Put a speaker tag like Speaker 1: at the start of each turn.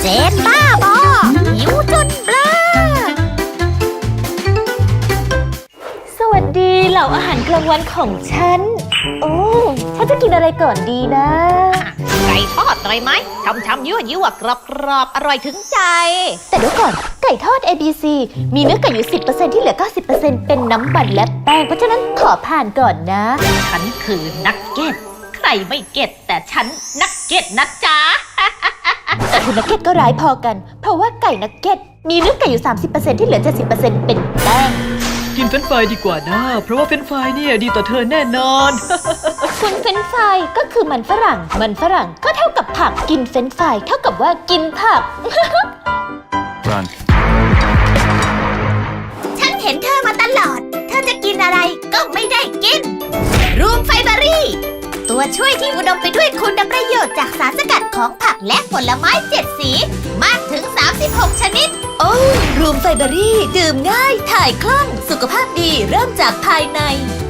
Speaker 1: นบ้าบอหิวจนเบลอ
Speaker 2: สวัสดีเหล่าอาหารกลางวันของฉันโอ้ฉันจะกินอะไรก่อนดีนะ
Speaker 1: ไก่ทอดอร่อยไหมช่ำๆยั่วๆกรอบๆอร่อยถึงใจ
Speaker 2: แต่เดี๋ยวก่อนไก่ทอด ABC มีเนื้อไก่อยู่ 10% ที่เหลือ 90%เป็นน้ำมันและแป้งเพราะฉะนั้นขอผ่านก่อนนะ
Speaker 1: ฉันคือนักเก็ตใครไม่เก็ตแต่ฉันนักเก็ตนะจ๊ะ
Speaker 2: แต่คุณนักเก็ตก็ร้ายพอกัน เพราะว่าไก่นักเก็ตมีเนื้อไก่อยู่ 30% ที่เหลือ 70% เป็นแป้ง
Speaker 3: กินเฟรนช์ฟรายดีกว่านะ เพราะว่าเฟรนช์ฟรายเนี่ยดีต่อเธอแน่นอน
Speaker 2: คุณเฟรนช์ฟรายก็คือมันฝรั่งก็เท่ากับผักกินเฟรนช์ฟรายเท่ากับว่ากินผัก
Speaker 4: Run.
Speaker 1: ฉันเห็นเธอมาตลอด เธอจะกินอะไรก็ไม่ได้กิน รูมไฟเบอรี่ ตัวช่วยที่อุดมไปด้วยคุณประโยชน์จากสารสกัดของผักและผลไม้7 สี มากถึง 36 ชนิด
Speaker 2: โอ้รูมไฟเบอรี่ดื่มง่ายถ่ายคล่องสุขภาพดีเริ่มจากภายใน